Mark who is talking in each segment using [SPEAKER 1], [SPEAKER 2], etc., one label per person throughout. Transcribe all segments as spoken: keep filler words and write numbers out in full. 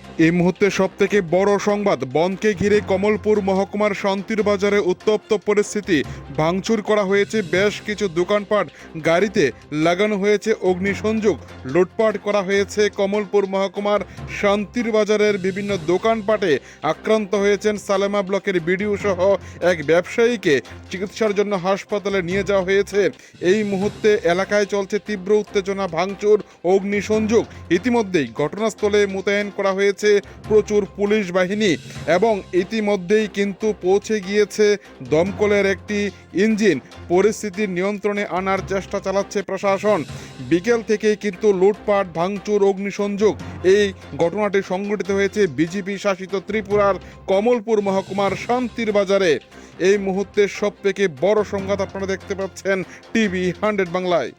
[SPEAKER 1] এই মুহূর্তে সব থেকে বড় সংবাদ, বনকে ঘিরে কমলপুর মহকুমার শান্তির বাজারে উত্তপ্ত পরিস্থিতি। ভাঙচুর করা হয়েছে বেশ কিছু দোকানপাট, গাড়িতে লাগানো হয়েছে অগ্নিসংযোগ, লুটপাট করা হয়েছে কমলপুর মহকুমার শান্তির বাজারের বিভিন্ন দোকানপাটে। আক্রান্ত হয়েছেন সালেমা ব্লকের বিডিও সহ এক ব্যবসায়ীকে চিকিৎসার জন্য হাসপাতালে নিয়ে যাওয়া হয়েছে। এই মুহূর্তে এলাকায় চলছে তীব্র উত্তেজনা, ভাঙচুর, অগ্নিসংযোগ। ইতিমধ্যেই ঘটনাস্থলে মোতায়েন করা হয়েছে প্রচুর পুলিশ বাহিনী এবং ইতিমধ্যেই কিন্তু পৌঁছে গিয়েছে দমকলের একটি ইঞ্জিন। পরিস্থিতি নিয়ন্ত্রণে আনার চেষ্টা চালাচ্ছে প্রশাসন। বিকেল থেকেই কিন্তু লুটপাট, ভাঙচুর, অগ্নিসংযোগ এই ঘটনাটি সংঘটিত হয়েছে বিজেপি শাসিত ত্রিপুরার কমলপুর মহকুমার শান্তির বাজারে। এই মুহূর্তে সব থেকে বড় সংবাদ আপনারা দেখতে পাচ্ছেন টিভি হান্ড্রেড বাংলায়।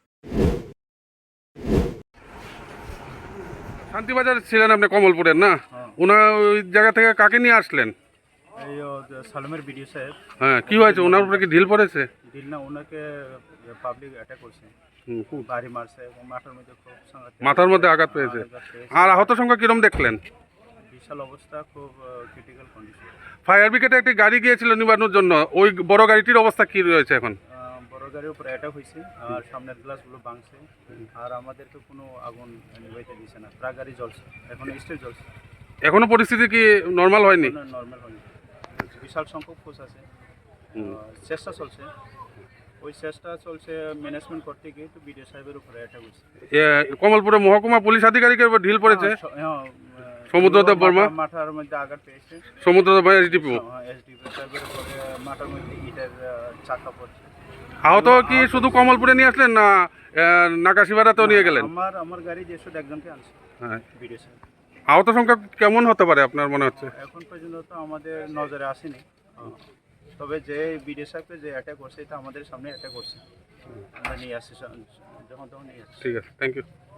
[SPEAKER 2] শান্তিবাজার ছিলেন আপনি কমলপুরের না? ওনার ওই জায়গা থেকে কাকে নিয়ে আসলেন?
[SPEAKER 3] এই ও যে সালেমের বিডিও সাহেব।
[SPEAKER 2] হ্যাঁ, কি হয়েছে? ওনার উপরে কি ঢিল পড়েছে?
[SPEAKER 3] দিল না, ওনাকে পাবলিক অ্যাটাক করছে,
[SPEAKER 2] হুম, খুব।
[SPEAKER 3] বাড়ি মারছে এবং মাথার মধ্যে খুব সাংঘাতিক
[SPEAKER 2] মাথার মধ্যে আঘাত পেয়েছে।
[SPEAKER 3] আঘাত পেয়েছে।
[SPEAKER 2] আর আহত সংখ্যা কিরম দেখলেন?
[SPEAKER 3] বিশাল অবস্থা, খুব ক্রিটিক্যাল কন্ডিশন।
[SPEAKER 2] ফায়ার ব্রিগেডে একটি গাড়ি গিয়েছিল নিবানোর জন্য, ওই বড় গাড়িটির অবস্থা কি রয়েছে এখন?
[SPEAKER 3] বড় গাড়ির উপরে অ্যাটাক হয়েছে আর সামনের গ্লাসগুলো ভাঙছে, আর আমাদেরকে কোনো আগুন নিভাইতে দিছে না। ট্রাক গাড়ি জ্বলছে, এখন স্টিল জ্বলছে,
[SPEAKER 2] এখনো পরিস্থিতি কি নর্মাল হয়নি?
[SPEAKER 3] নর্মাল হয়নি। বিশাল সংখ্যক ফোর্স আছে, চেষ্টা চলছে। ওই চেষ্টা চলছে ম্যানেজমেন্ট করতে গিয়ে তো বিডিও সাহেবের উপরে অ্যাটাক হয়েছে।
[SPEAKER 2] এ, কমলপুরে মহকুমা পুলিশ আধিকারিকের উপর ঢিল পড়েছে। সমুদ্রদেব বর্মা
[SPEAKER 3] মাথার মধ্যে আঘাত পেয়েছে।
[SPEAKER 2] সমুদ্রদেব বর্মা এসডিপি।
[SPEAKER 3] এসডিপি সাহেবের উপরে মাথার মধ্যে ইটের চাকা পড়ছে।
[SPEAKER 2] আহত কি শুধু কমলপুরে নিয়ে আসলেন না নাকাশিবাড়াতেও নিয়ে গেলেন?
[SPEAKER 3] আমার আমার গাড়ি যে শুধু একজনকে আনছে,
[SPEAKER 2] হ্যাঁ।
[SPEAKER 3] বিডিও সাহেব।
[SPEAKER 2] আহত সংখ্যা কেমন হতে পারে আপনার মনে হচ্ছে?
[SPEAKER 3] এখন পর্যন্ত তো আমাদের নজরে আসেনি, তবে যে বিডিও সাহেবকে যে অ্যাটাক করছে এটা আমাদের সামনে অ্যাটাক করছে, আমরা নিয়ে আসছি, যখন তখন নিয়ে আসছি।
[SPEAKER 2] ঠিক আছে, থ্যাংক ইউ।